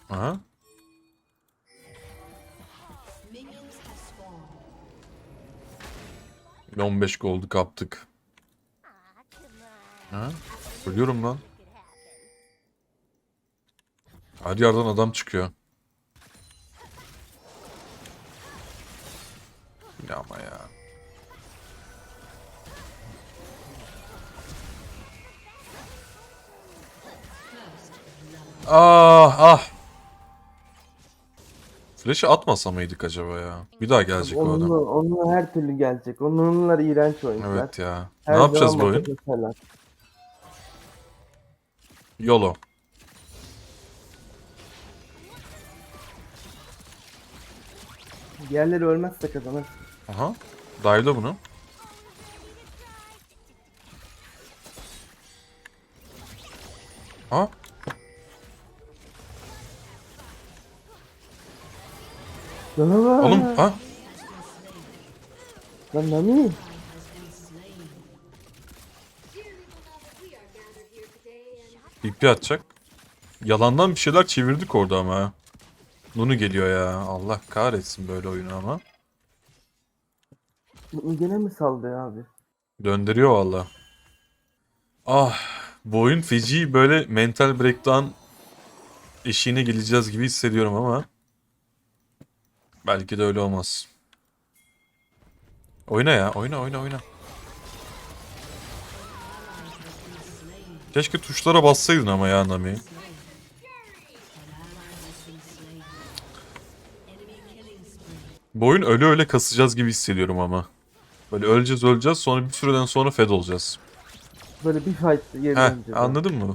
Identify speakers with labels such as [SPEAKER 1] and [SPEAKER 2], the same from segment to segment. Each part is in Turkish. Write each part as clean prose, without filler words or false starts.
[SPEAKER 1] Aha. 15 gold'u kaptık. Ha? Ölüyorum lan. Her yerden adam çıkıyor. Ya ama ya. Ah ah. Flash'ı atmasa mıydık acaba ya? Bir daha gelecek o adam.
[SPEAKER 2] Onunla her türlü gelecek. Onunlar iğrenç oyuncular.
[SPEAKER 1] Evet ya. Ne
[SPEAKER 2] Her zaman
[SPEAKER 1] yapacağız bu
[SPEAKER 2] mata
[SPEAKER 1] oyun?
[SPEAKER 2] keserler.
[SPEAKER 1] YOLO.
[SPEAKER 2] Diğerleri ölmezse kazanır.
[SPEAKER 1] Aha. Dive'la bunu. Ha?
[SPEAKER 2] Canavar.
[SPEAKER 1] Oğlum ha?
[SPEAKER 2] Lan Nami.
[SPEAKER 1] İpi atacak. Yalandan bir şeyler çevirdik orada ama ha. Nunu geliyor ya. Allah kahretsin böyle oyunu ama.
[SPEAKER 2] Gene mi saldı ya abi?
[SPEAKER 1] Döndürüyor valla. Ah. Bu oyun feci böyle mental breakdown eşiğine geleceğiz gibi hissediyorum ama. Belki de öyle olmaz. Oyna ya. Oyna oyna oyna. Keşke tuşlara bassaydın ama ya Nami. Bu oyun öyle öyle kasacağız gibi hissediyorum ama. Böyle öleceğiz sonra bir süreden sonra fed olacağız.
[SPEAKER 2] Böyle bir fight geri
[SPEAKER 1] Heh,
[SPEAKER 2] döneceğiz.
[SPEAKER 1] anladın mı?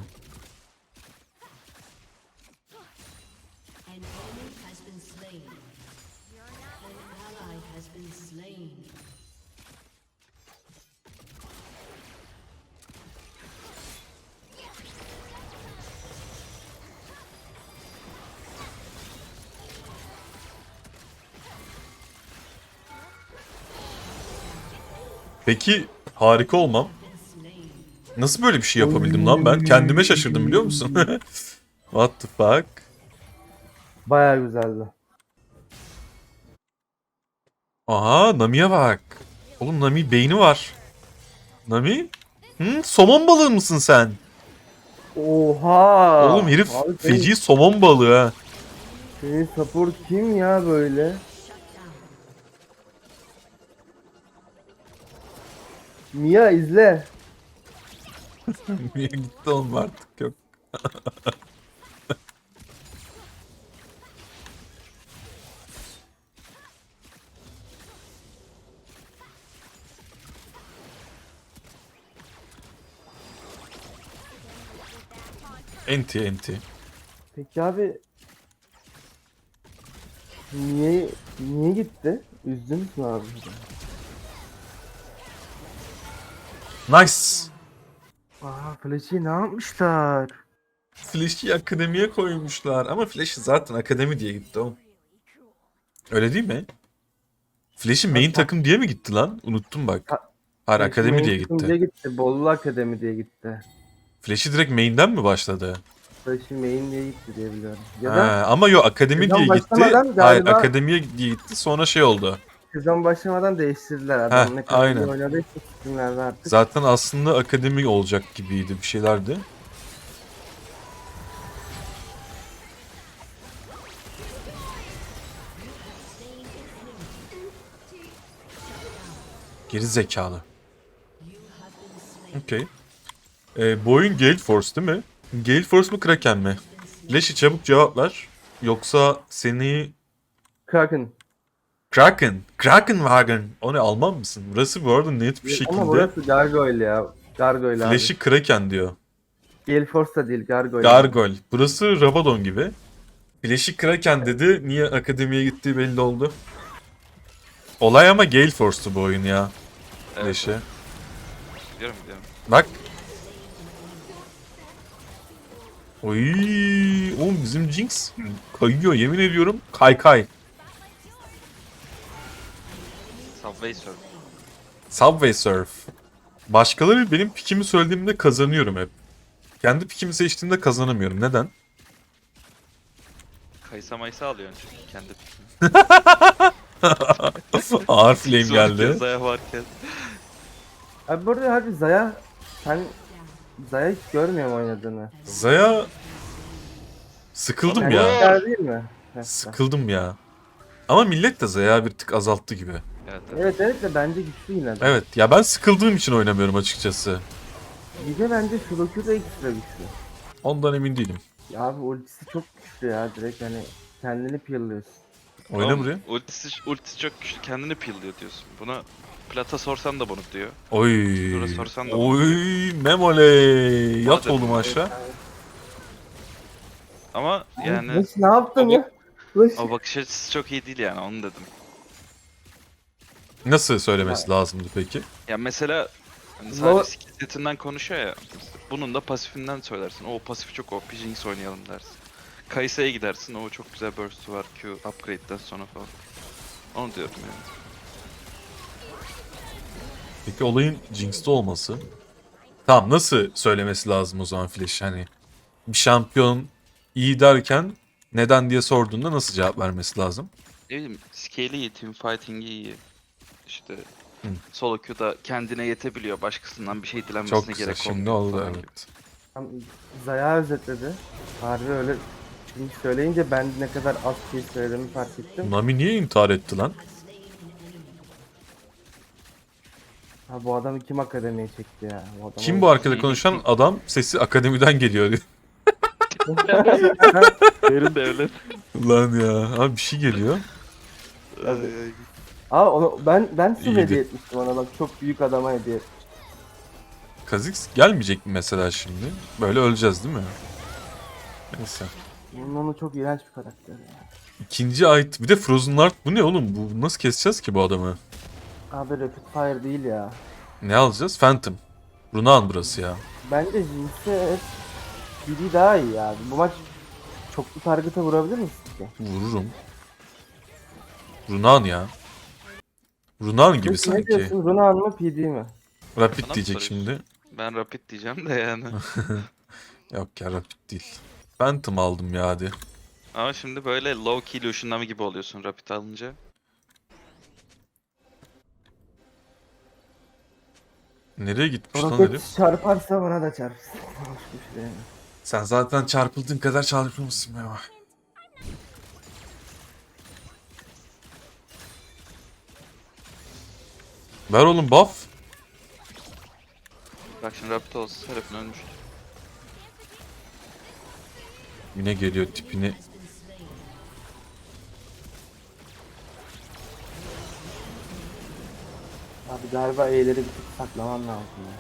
[SPEAKER 3] An enemy has been slain. An ally has been slain.
[SPEAKER 1] Peki harika olmam. Nasıl böyle bir şey yapabildim lan ben? Kendime şaşırdım biliyor musun? What the fuck?
[SPEAKER 2] Baya güzeldi.
[SPEAKER 1] Aha Nami'ye bak. Oğlum Nami beyni var. Nami? Hı? Somon balığı mısın sen?
[SPEAKER 2] Oha.
[SPEAKER 1] Oğlum herif
[SPEAKER 2] Abi
[SPEAKER 1] feci somon balığı ha.
[SPEAKER 2] senin support kim ya böyle? Mia izle.
[SPEAKER 1] Niye gitti oğlum artık yok. Enti enti.
[SPEAKER 2] Peki abi niye gitti? Üzdünüz mü abi?
[SPEAKER 1] Nice.
[SPEAKER 2] Aa Flash'i ne yapmışlar?
[SPEAKER 1] Flash'i akademiye koymuşlar ama Flash'i zaten akademi diye gitti oğlum. Öyle değil mi? Flash'i main
[SPEAKER 2] Hatta
[SPEAKER 1] takım diye mi gitti lan? Unuttum bak.
[SPEAKER 2] Ha-
[SPEAKER 1] Hayır
[SPEAKER 2] Flash'i
[SPEAKER 1] akademi
[SPEAKER 2] main
[SPEAKER 1] diye
[SPEAKER 2] takım
[SPEAKER 1] gitti.
[SPEAKER 2] diye gitti. Bollu Akademi diye gitti.
[SPEAKER 1] Flash'i direkt main'den mi başladı?
[SPEAKER 2] Flash'i main diye gitti diye biliyorum. Ya
[SPEAKER 1] Ha,
[SPEAKER 2] da
[SPEAKER 1] ama yo akademi diye
[SPEAKER 2] sezon
[SPEAKER 1] gitti.
[SPEAKER 2] başlamadan
[SPEAKER 1] Hayır
[SPEAKER 2] galiba
[SPEAKER 1] akademiye diye gitti sonra şey oldu.
[SPEAKER 2] sezon başlamadan değiştirdiler.
[SPEAKER 1] Heh
[SPEAKER 2] Adam ne kadar iyi
[SPEAKER 1] aynen.
[SPEAKER 2] oynadıysa isimlerde artık.
[SPEAKER 1] Zaten aslında akademi olacak gibiydi bir şeylerdi. Geri zekalı. Okey. Bu oyun Gale Force değil mi? Gale Force mu Kraken mi? Leşi çabuk cevap ver. Yoksa seni...
[SPEAKER 2] Kraken.
[SPEAKER 1] Kraken. Krakenwagen. O ne Alman mısın? Burası bu arada net bir
[SPEAKER 2] Ama
[SPEAKER 1] şekilde
[SPEAKER 2] burası Gargoyle ya. Gargoyle abi.
[SPEAKER 1] Flash'i Kraken diyor.
[SPEAKER 2] Gale Force da değil Gargoyle.
[SPEAKER 1] Gargoyle. Burası Rabadon gibi. Flash'i Kraken dedi. Niye akademiye gittiği belli oldu. Olay ama Gale Force'tu bu oyun ya.
[SPEAKER 4] Evet.
[SPEAKER 1] Flash'i.
[SPEAKER 4] Biliyorum biliyorum.
[SPEAKER 1] Bak. Oy, oğlum bizim Jinx kayıyor yemin ediyorum. Kay kay.
[SPEAKER 4] Subway Surf.
[SPEAKER 1] Subway Surf. Başkaları benim pikimi söylediğimde kazanıyorum hep. Kendi pikimi seçtiğimde kazanamıyorum. Neden?
[SPEAKER 4] Kaysa maysa alıyorsun çünkü kendi.
[SPEAKER 1] Ağır flame geldi.
[SPEAKER 4] Zaya varken.
[SPEAKER 2] Abi burada harbi Zaya, sen Zaya hiç görmüyorum oynadığını.
[SPEAKER 1] Zaya sıkıldım
[SPEAKER 2] Yani
[SPEAKER 1] ya.
[SPEAKER 2] güzel değil mi? Mesela.
[SPEAKER 1] Sıkıldım ya. Ama millet de Zaya bir tık azalttı gibi.
[SPEAKER 4] Evet,
[SPEAKER 2] Evet evet de bence güçlü yine de.
[SPEAKER 1] Evet ya ben sıkıldığım için oynamıyorum açıkçası.
[SPEAKER 2] Bir de bence Shurokyu da ekstra güçlü.
[SPEAKER 1] Ondan emin değilim.
[SPEAKER 2] Ya abi ultisi çok güçlü ya, direkt hani kendini peel'lıyorsun.
[SPEAKER 1] Oyna buraya.
[SPEAKER 4] Ultisi çok güçlü, kendini pillıyor diyorsun. Bunu Plat'a sorsan da bunu diyor.
[SPEAKER 1] Oy.
[SPEAKER 4] Dura sorsan da
[SPEAKER 1] Oy Memole. Yat
[SPEAKER 4] Madem-
[SPEAKER 1] oğlum aşağı.
[SPEAKER 4] Ama yani
[SPEAKER 2] Leş ne yaptın
[SPEAKER 4] Ama-
[SPEAKER 2] ya? Leş.
[SPEAKER 4] o bakış açısı çok iyi değil yani, onu dedim.
[SPEAKER 1] Nasıl söylemesi lazımdı peki?
[SPEAKER 4] Ya mesela hani
[SPEAKER 2] Lo-
[SPEAKER 4] sadece skill setinden konuşuyor ya. Bunun da pasifinden söylersin. O pasif çok OP, Jinx oynayalım dersin. Kaysa'ya gidersin. O çok güzel burst'u var Q upgrade'den sonra falan. Onu diyorum yani.
[SPEAKER 1] Peki olayın Jinx'te olması. Tamam nasıl söylemesi lazım o zaman Flash? Hani bir şampiyon iyi derken neden diye sorduğunda nasıl cevap vermesi lazım?
[SPEAKER 4] Ne bileyim, scale'i iyi, teamfighting'i iyi. İşte
[SPEAKER 1] Hı.
[SPEAKER 4] solo queue'da kendine yetebiliyor. Başkasından bir şey
[SPEAKER 1] Çok
[SPEAKER 4] dilenmesine
[SPEAKER 1] güzel.
[SPEAKER 4] gerek
[SPEAKER 1] Şimdi
[SPEAKER 4] olmuyor
[SPEAKER 1] oldu
[SPEAKER 4] falan gibi.
[SPEAKER 1] evet.
[SPEAKER 2] Tam Zaya özetledi. Harbi öyle şimdi söyleyince ben ne kadar az şey söylediğimi fark ettim.
[SPEAKER 1] Nami niye intihar etti lan?
[SPEAKER 2] Ha bu adamı kim akademiye çekti ya? Bu adamı-
[SPEAKER 1] Kim bu arkada konuşan adam sesi akademiden geliyor diyor.
[SPEAKER 4] Derin devlet.
[SPEAKER 1] Lan ya abi bir şey geliyor.
[SPEAKER 2] Aa onu ben su
[SPEAKER 1] İyiydi.
[SPEAKER 2] hediye etmiştim ona, bak çok büyük adama hediye etmiştim.
[SPEAKER 1] Kha'Zix gelmeyecek mi mesela şimdi? Böyle öleceğiz değil mi? Neyse.
[SPEAKER 2] Onu çok iğrenç bir karakter ya.
[SPEAKER 1] İkinci ait bir de Frozen Heart bu ne oğlum? Bu nasıl keseceğiz ki bu adamı?
[SPEAKER 2] Abi Rapid Fire değil ya.
[SPEAKER 1] Ne alacağız? Phantom. Runaan burası ya.
[SPEAKER 2] Bence Jinx'e biri daha iyi abi. Bu maç çoklu target'a vurabilir misin ki?
[SPEAKER 1] Vururum. Runaan ya. Runaan gibi
[SPEAKER 2] Peki ne
[SPEAKER 1] sanki.
[SPEAKER 2] diyorsun? Runaan mı PD mi?
[SPEAKER 1] Rapid
[SPEAKER 4] Bana mı
[SPEAKER 1] diyecek
[SPEAKER 4] soruyorsun?
[SPEAKER 1] şimdi.
[SPEAKER 4] Ben rapid diyeceğim de yani.
[SPEAKER 1] Yok ya Rapid değil. Phantom aldım ya hadi.
[SPEAKER 4] Ama şimdi böyle low key Lucian Nami gibi oluyorsun rapid alınca.
[SPEAKER 1] Nereye gitmiş lan
[SPEAKER 2] Roket
[SPEAKER 1] herif?
[SPEAKER 2] çarparsa bana da çarpsın. Hoş bir şey yani.
[SPEAKER 1] Sen zaten çarpıldığın kadar çarpılmışsın Meva. Ver oğlum buff.
[SPEAKER 4] Bak şimdi rapid olsa Seraphine ölmüştü.
[SPEAKER 1] Yine geliyor tipini.
[SPEAKER 2] Abi galiba E'leri bir tık saklaman lazım ya.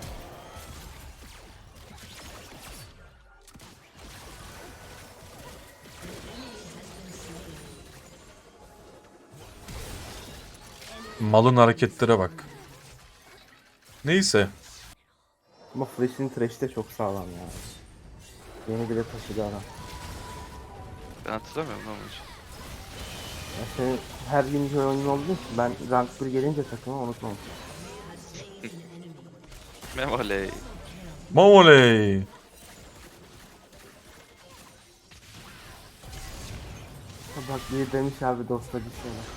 [SPEAKER 1] Malın hareketlere bak. Neyse.
[SPEAKER 2] Ama Flash'in trash'i de çok sağlam ya. Yeni bile taşıdı adam.
[SPEAKER 4] Ben hatırlamıyorum ama hiç.
[SPEAKER 2] Ya senin her gün oyunun olduğu için ben rank 1 gelince takımı unutmam.
[SPEAKER 4] Memoley.
[SPEAKER 1] Mamoley.
[SPEAKER 2] Bak bir demiş abi dosta bir şey var.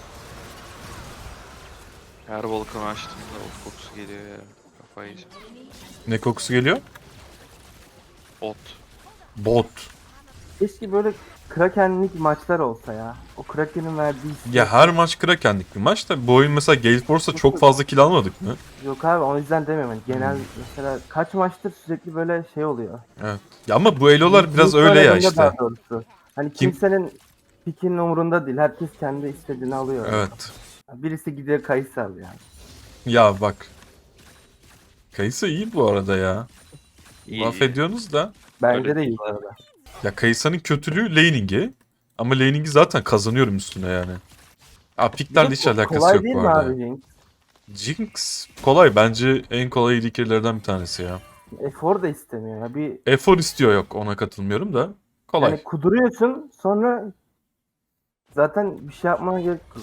[SPEAKER 4] Her volkanı açtığımda ot kokusu geliyor ya. Kafayı yiyeceğim.
[SPEAKER 1] Ne kokusu geliyor?
[SPEAKER 4] Ot.
[SPEAKER 1] Bot.
[SPEAKER 2] Keşke böyle Kraken'lik maçlar olsa ya. O Kraken'in verdiği hissiyat-
[SPEAKER 1] Ya her maç Kraken'lik bir maç da bu oyun mesela Gale Force'da çok fazla kill almadık mı?
[SPEAKER 2] Yok abi o yüzden demiyorum. Yani genel mesela kaç maçtır sürekli böyle şey oluyor.
[SPEAKER 1] Evet. Ya ama bu elolar biraz
[SPEAKER 2] Jinx
[SPEAKER 1] öyle ya
[SPEAKER 2] oynadığında
[SPEAKER 1] işte.
[SPEAKER 2] daha doğrusu. Hani
[SPEAKER 1] Kim-
[SPEAKER 2] kimsenin pikinin umurunda değil. Herkes kendi istediğini alıyor.
[SPEAKER 1] Evet.
[SPEAKER 2] Birisi gidiyor Kayısı alıyor yani.
[SPEAKER 1] Ya bak. Kayısa iyi bu arada ya.
[SPEAKER 4] İyi,
[SPEAKER 1] Laf
[SPEAKER 4] iyi.
[SPEAKER 1] ediyorsunuz da.
[SPEAKER 2] Bence
[SPEAKER 4] Öyle
[SPEAKER 2] de iyi
[SPEAKER 4] değil
[SPEAKER 2] bu arada.
[SPEAKER 1] Ya Kayısa'nın kötülüğü laning'i. Ama laning'i zaten kazanıyorum üstüne yani. Ya piklerle hiç alakası
[SPEAKER 2] Kolay
[SPEAKER 1] yok
[SPEAKER 2] değil
[SPEAKER 1] bu
[SPEAKER 2] mi
[SPEAKER 1] arada.
[SPEAKER 2] abi Jinx?
[SPEAKER 1] Jinx kolay. Bence en kolay ilkelerden bir tanesi ya.
[SPEAKER 2] Efor da istemiyor ya. Bir
[SPEAKER 1] Efor istiyor yok ona katılmıyorum da. Kolay.
[SPEAKER 2] yani kuduruyorsun sonra zaten bir şey yapmana gerek yok.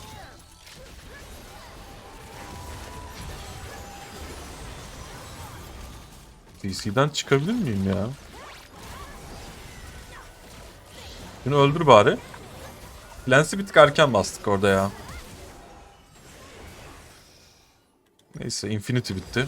[SPEAKER 1] DC'den çıkabilir miyim ya? Bunu öldür bari. Lens'i bir tık erken bastık orada ya. Neyse Infinity bitti.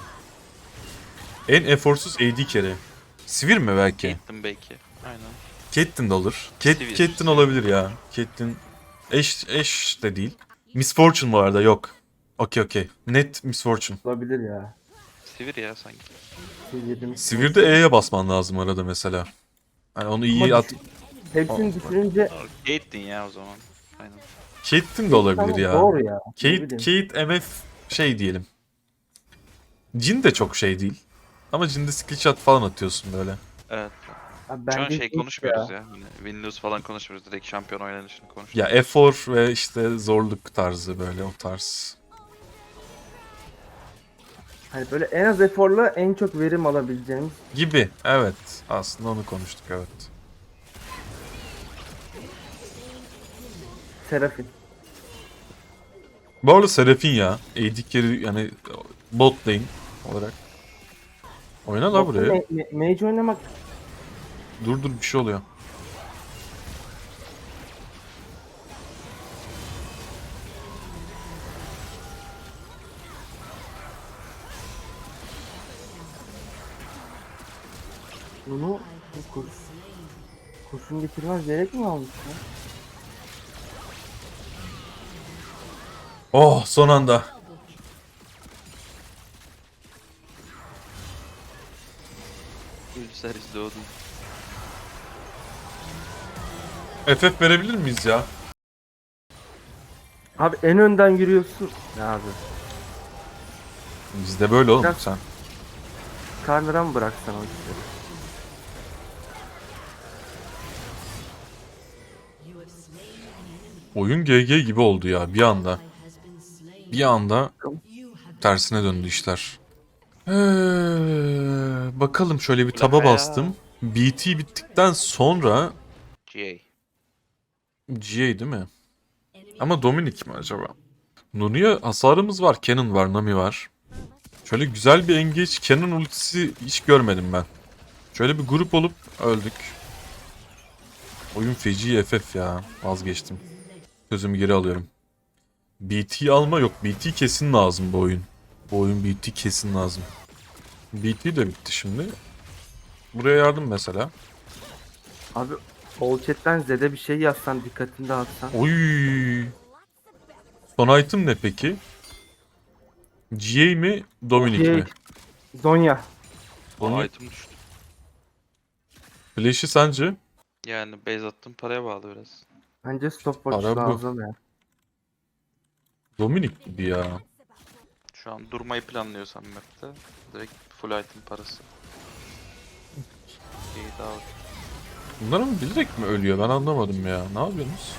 [SPEAKER 1] En eforsuz AD carry. Sivir mi belki?
[SPEAKER 4] Gittim belki. Aynen.
[SPEAKER 1] Caitlyn de olur.
[SPEAKER 4] Sivir.
[SPEAKER 1] Caitlyn olabilir ya. Caitlyn eş de değil. Miss Fortune bu arada yok. Okey. Net Miss Fortune.
[SPEAKER 2] Olabilir ya.
[SPEAKER 4] Sivir ya sanki.
[SPEAKER 2] Seviyemiz.
[SPEAKER 1] Sivir'de E'ye basman lazım arada mesela. Hani onu iyi
[SPEAKER 2] Ama
[SPEAKER 1] at.
[SPEAKER 2] Hepsini düşününce
[SPEAKER 4] Gate'din ya o zaman. Aynen.
[SPEAKER 1] Caitlyn de olabilir
[SPEAKER 2] tamam,
[SPEAKER 1] ya.
[SPEAKER 2] doğru ya. Ne bileyim.
[SPEAKER 1] Kate MF şey diyelim. Jhin de çok şey değil. Ama Jhin'de skill shot falan atıyorsun böyle.
[SPEAKER 4] Evet.
[SPEAKER 2] Abi
[SPEAKER 4] Şu an
[SPEAKER 2] bence
[SPEAKER 4] şey
[SPEAKER 2] hiç
[SPEAKER 4] konuşmuyoruz ya. Hani win-lose falan konuşmuyoruz. Direkt şampiyon oynanışını konuşuyoruz.
[SPEAKER 1] Ya efor ve işte zorluk tarzı böyle o tarz.
[SPEAKER 2] Hani böyle en az eforla en çok verim alabileceğimiz.
[SPEAKER 1] Gibi evet. Aslında onu konuştuk evet.
[SPEAKER 2] Serafin.
[SPEAKER 1] Bu arada Seraphine ya. AD carry yani bot lane olarak. Oyna la buraya.
[SPEAKER 2] Mage oynamak
[SPEAKER 1] Dur bir şey oluyor.
[SPEAKER 2] bunu kurşun getirmez gerek mi almış ya?
[SPEAKER 1] Oh son anda.
[SPEAKER 4] Ülseriz doğdun.
[SPEAKER 1] FF verebilir miyiz ya?
[SPEAKER 2] Abi en önden yürüyorsun. Ne abi?
[SPEAKER 1] Bizde böyle oğlum
[SPEAKER 2] Biraz-
[SPEAKER 1] sen.
[SPEAKER 2] Karnıra mı bıraksan o işleri?
[SPEAKER 3] You have slain an enemy.
[SPEAKER 1] Oyun GG gibi oldu ya bir anda.
[SPEAKER 3] Ally has been slain.
[SPEAKER 1] Bir anda
[SPEAKER 3] You have
[SPEAKER 1] tersine döndü işler. Bakalım şöyle bir taba
[SPEAKER 4] Ulan ya.
[SPEAKER 1] bastım. BT bittikten sonra
[SPEAKER 4] GA.
[SPEAKER 1] GA değil mi? Ama Dominic mi acaba? Nunu'ya hasarımız var. Canon var, Nami var. Şöyle güzel bir engage Canon ultisi hiç görmedim ben. Şöyle bir grup olup öldük. Oyun feci FF ya. Vazgeçtim. Sözümü geri alıyorum. BT alma yok. BT kesin lazım bu oyun. Bu oyun BT kesin lazım. BT de bitti şimdi. Buraya yardım mesela.
[SPEAKER 2] Abi all chat'ten Z'de bir şey yazsan dikkatini dağıtsan.
[SPEAKER 1] Oy. Son item ne peki? GA mi? Dominic mi?
[SPEAKER 2] Zonya.
[SPEAKER 1] Onu-
[SPEAKER 4] Aa, item düştü.
[SPEAKER 1] Flash'i sence?
[SPEAKER 4] Yani base attım paraya bağlı biraz.
[SPEAKER 2] Bence stopwatch
[SPEAKER 1] Para bu.
[SPEAKER 2] lazım ya.
[SPEAKER 1] Dominic gibi ya.
[SPEAKER 4] Şu an durmayı planlıyorsam map'te direkt full item parası. İyi daha
[SPEAKER 1] Bunlar ama bilerek mi ölüyor? Ben anlamadım ya. Ne yapıyorsunuz?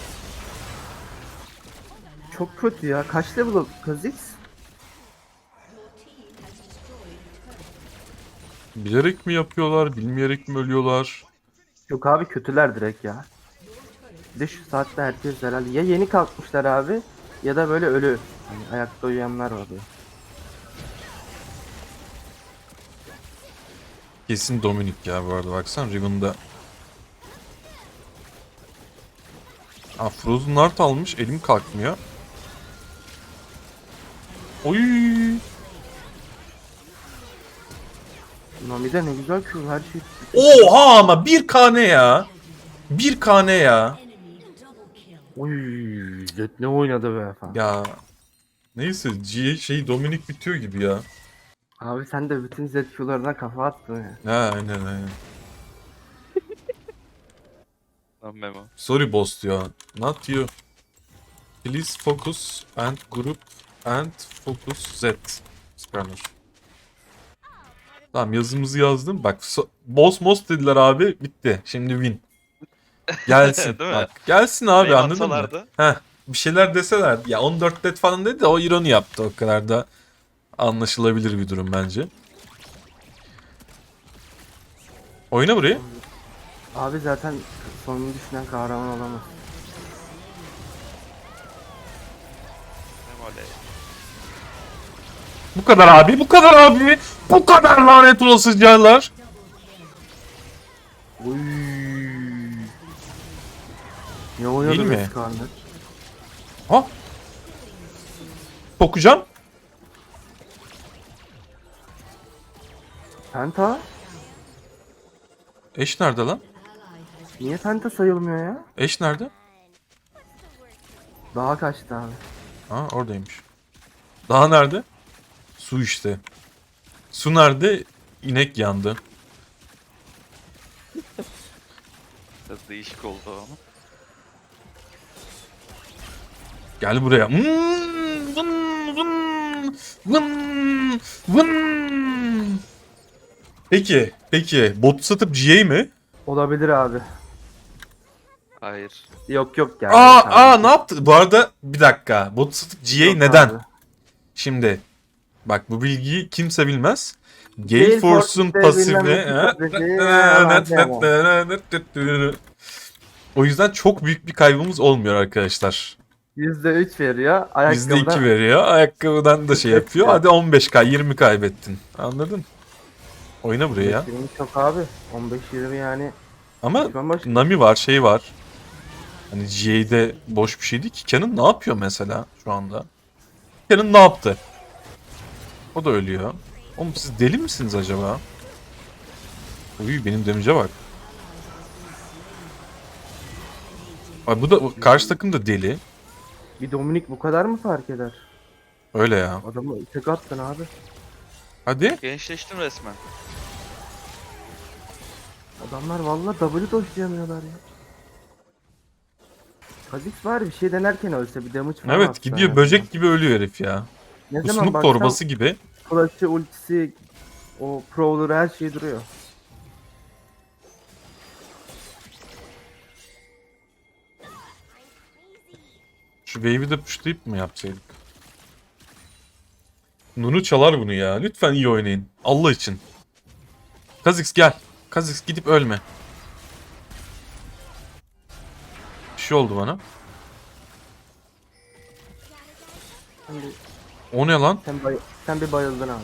[SPEAKER 2] Çok kötü ya. Kaç level o Kha'Zix?
[SPEAKER 1] Bilerek mi yapıyorlar? Bilmeyerek mi ölüyorlar?
[SPEAKER 2] Yok abi kötüler direkt ya. Bir de şu saatte herkes herhalde ya yeni kalkmışlar abi ya da böyle ölü. Hani ayakta uyuyanlar var ya.
[SPEAKER 1] Kesin Dominic ya bu arada. Baksana Riven'da. Aa, Frozen Heart almış. Elim kalkmıyor. Oy.
[SPEAKER 2] Nami'de ne güzel Q her şey.
[SPEAKER 1] Oha ama 1K ne ya? 1K ne ya?
[SPEAKER 3] enemy double kill.
[SPEAKER 2] Oy, Zed ne oynadı be falan.
[SPEAKER 1] Ya neyse şey Dominic bitiyor gibi ya.
[SPEAKER 2] Abi sen de bütün Zed Q'larına kafa attın ya.
[SPEAKER 1] Ha aynen.
[SPEAKER 4] Lan memo.
[SPEAKER 1] Sorry boss diyor. Not you. Please focus and group and focus Z. Scanner. Tamam yazımızı yazdım. Bak boss most dediler abi. Bitti. Şimdi win. Gelsin.
[SPEAKER 4] Değil mi?
[SPEAKER 1] Bak gelsin abi
[SPEAKER 4] Name
[SPEAKER 1] anladın mı?
[SPEAKER 4] atsalardı.
[SPEAKER 1] Heh, bir şeyler deseler. Ya 14 dead falan dedi de o ironi yaptı. O kadar da anlaşılabilir bir durum bence. Oyna burayı.
[SPEAKER 2] Abi zaten sonunu düşünen kahraman olamaz.
[SPEAKER 4] Memo le.
[SPEAKER 1] Bu kadar abi. Bu kadar abi. Bu kadar lanet olasıcalar.
[SPEAKER 2] Oy. Ne oynadı
[SPEAKER 1] Değil mi?
[SPEAKER 2] Veskar'ını?
[SPEAKER 1] Ha? Sokacağım.
[SPEAKER 2] Penta?
[SPEAKER 1] Eş nerede lan?
[SPEAKER 2] Niye penta sayılmıyor ya?
[SPEAKER 1] Eş nerede?
[SPEAKER 2] Daha kaçtı abi.
[SPEAKER 1] Ha oradaymış. Daha nerede? Su işte. Su nerede? İnek yandı.
[SPEAKER 4] Biraz değişik oldu ama.
[SPEAKER 1] Gel buraya. Vın, vın, vın, vın. Peki. Bot satıp GA mi?
[SPEAKER 2] Olabilir abi.
[SPEAKER 4] Hayır.
[SPEAKER 2] Yok yani.
[SPEAKER 1] Aa ne yaptı? Bu arada bir dakika. Bot satıp GA
[SPEAKER 2] Yok
[SPEAKER 1] neden?
[SPEAKER 2] abi.
[SPEAKER 1] Şimdi bak bu bilgiyi kimse bilmez.
[SPEAKER 2] Gale
[SPEAKER 1] Gale Force'un
[SPEAKER 2] Force'de
[SPEAKER 1] pasifini...
[SPEAKER 2] bilmem ne pasifi,
[SPEAKER 1] O yüzden çok büyük bir kaybımız olmuyor arkadaşlar.
[SPEAKER 2] %3 veriyor. Ayakkabıda
[SPEAKER 1] %2 veriyor. Ayakkabıdan da şey yapıyor. Hadi 15k 20 kaybettin. Anladın? Oyna buraya ya.
[SPEAKER 2] 15-20 çok abi. 15-20 yani.
[SPEAKER 1] Ama
[SPEAKER 2] Düşman başı.
[SPEAKER 1] Nami var, şey var. Hani GA'de boş bir şey değil ki. Canon ne yapıyor mesela şu anda? Canon ne yaptı? O da ölüyor. Oğlum siz deli misiniz acaba? Uy benim damage'e bak. Ay bu da karşı takım da deli.
[SPEAKER 2] Bir Dominik bu kadar mı fark eder?
[SPEAKER 1] Öyle ya.
[SPEAKER 2] Adamı tek attın abi.
[SPEAKER 1] Hadi.
[SPEAKER 4] Gençleştim resmen.
[SPEAKER 2] Adamlar valla W doşlayamıyorlar ya. Kha'Zix var bir şey denerken ölse bir damage falan
[SPEAKER 1] Evet
[SPEAKER 2] atsa
[SPEAKER 1] gidiyor
[SPEAKER 2] yani.
[SPEAKER 1] böcek gibi ölüyor herif ya.
[SPEAKER 2] Ne
[SPEAKER 1] Bu
[SPEAKER 2] zaman
[SPEAKER 1] snoop
[SPEAKER 2] baksam
[SPEAKER 1] torbası gibi.
[SPEAKER 2] flash'ı, ultisi, o prowler her şey duruyor.
[SPEAKER 1] Şu wave'i de pushlayıp mı yapsaydık? Nunu çalar bunu ya. Lütfen iyi oynayın. Allah için. Kha'Zix gel. Kha'Zix gidip ölme. Bir şey oldu bana.
[SPEAKER 2] Sen bir,
[SPEAKER 1] O ne lan?
[SPEAKER 2] sen bir bayıldın abi.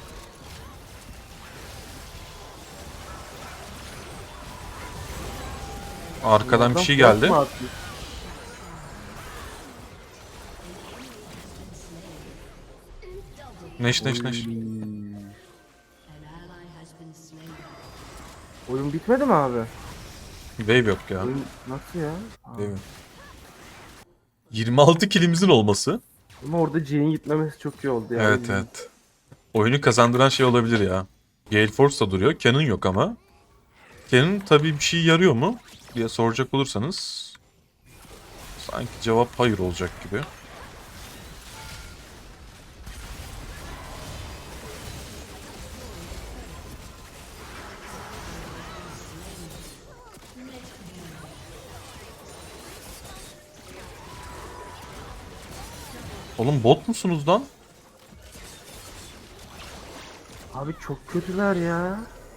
[SPEAKER 1] Arkadan bir
[SPEAKER 2] Adam
[SPEAKER 1] şey
[SPEAKER 2] flash
[SPEAKER 1] geldi.
[SPEAKER 2] mı atmış?
[SPEAKER 1] Neş.
[SPEAKER 3] An ally has been slain.
[SPEAKER 2] Oyun bitmedi mi abi?
[SPEAKER 1] Wave yok ya.
[SPEAKER 2] Oyun nasıl ya?
[SPEAKER 1] Wave yok. 26 kilimizin olması.
[SPEAKER 2] Ama orada J'nin gitmemesi çok iyi oldu ya.
[SPEAKER 1] Evet. Oyunu kazandıran şey olabilir ya. Gale Force da duruyor. Canon yok ama. Canon tabii bir şey yarıyor mu diye soracak olursanız sanki cevap hayır olacak gibi. Oğlum bot musunuz lan?
[SPEAKER 2] Abi çok kötüler ya.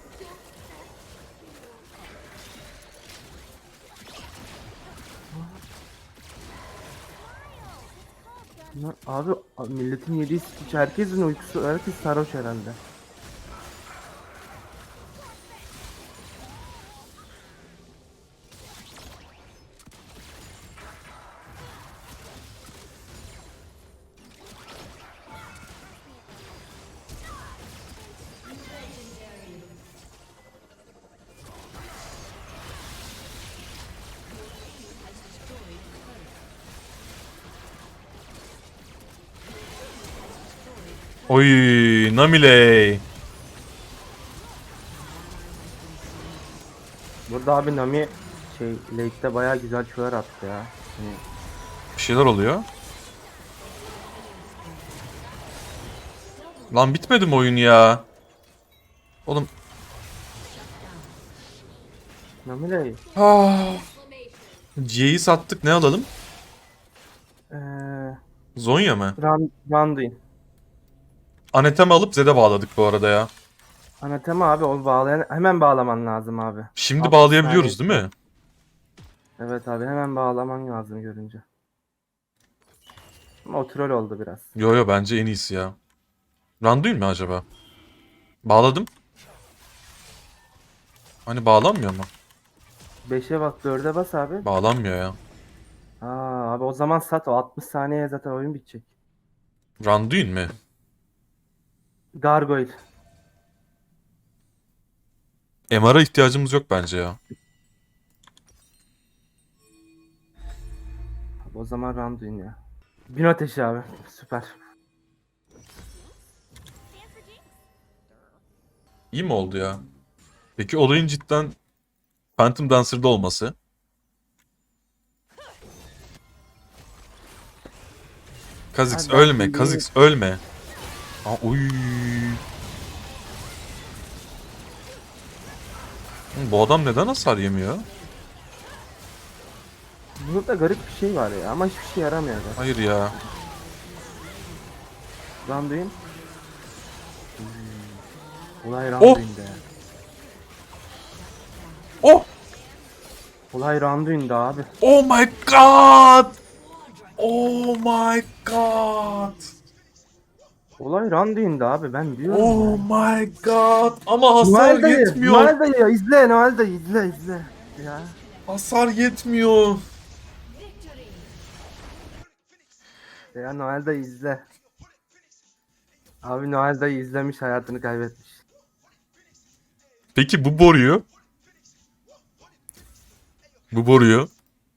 [SPEAKER 2] Abi milletin yediği hiç herkesin uykusu, herkes sarhoş herhalde.
[SPEAKER 1] Oy Namiley.
[SPEAKER 2] Burada abi Nami late'de bayağı güzel çöğer attı ya. Hani
[SPEAKER 1] Bir şeyler oluyor. Lan bitmedi mi oyun ya? Oğlum.
[SPEAKER 2] Nami de
[SPEAKER 1] C'yi sattık, ne alalım?
[SPEAKER 2] eee
[SPEAKER 1] Zonya mı?
[SPEAKER 2] Randuin.
[SPEAKER 1] Anethem'i alıp Zed'e bağladık bu arada ya.
[SPEAKER 2] Anatema abi onu hemen bağlaman lazım abi.
[SPEAKER 1] Şimdi
[SPEAKER 2] 60
[SPEAKER 1] bağlayabiliyoruz
[SPEAKER 2] saniye.
[SPEAKER 1] değil mi?
[SPEAKER 2] Evet abi hemen bağlaman lazım görünce. Ama o troll oldu biraz.
[SPEAKER 1] Yo bence en iyisi ya. Randuin mi acaba? Bağladım. Hani bağlanmıyor mu?
[SPEAKER 2] 5'e bas 4'e bas abi.
[SPEAKER 1] Bağlanmıyor ya.
[SPEAKER 2] Abi o zaman sat, o 60 saniye zaten oyun bitecek.
[SPEAKER 1] Randuin mi?
[SPEAKER 2] Gargoyle.
[SPEAKER 1] MR'a ihtiyacımız yok bence ya.
[SPEAKER 2] Abi o zaman Randuin ya. Gün ateşi abi. Süper.
[SPEAKER 1] İyi mi oldu ya? Peki olayın cidden Phantom Dancer'da olması. Kha'Zix
[SPEAKER 2] Abi ben
[SPEAKER 1] ölme,
[SPEAKER 2] şimdi-
[SPEAKER 1] Kha'Zix ölme. Aa, uy. Bu adam neden hasar yemiyor?
[SPEAKER 2] Burada garip bir şey var ya ama hiçbir şey yaramıyor da.
[SPEAKER 1] Hayır ya.
[SPEAKER 2] Randuin. Olay Randuin'de ya.
[SPEAKER 1] Oh!
[SPEAKER 2] Olay Randuin'de abi.
[SPEAKER 1] Oh my god! Oh my god!
[SPEAKER 2] Olay Randuin'de abi, ben diyorum
[SPEAKER 1] Oh
[SPEAKER 2] ya.
[SPEAKER 1] my god! Ama hasar
[SPEAKER 2] Noel dayı,
[SPEAKER 1] yetmiyor.
[SPEAKER 2] Noel dayı izle, Noel dayı izle. Ya.
[SPEAKER 1] Hasar yetmiyor.
[SPEAKER 2] Ya Noel dayı izle. Abi Noel dayı izlemiş, hayatını kaybetmiş.
[SPEAKER 1] Peki bu boruyu? Bu boruyu?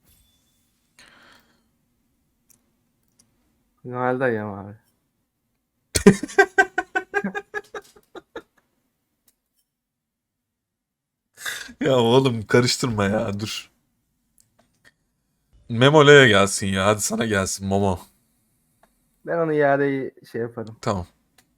[SPEAKER 2] Noel dayı ama abi.
[SPEAKER 1] Ya oğlum karıştırma ya dur. Memola'ya gelsin ya. Hadi sana gelsin Momo.
[SPEAKER 2] Ben onu iadeyi şey yaparım.
[SPEAKER 1] Tamam.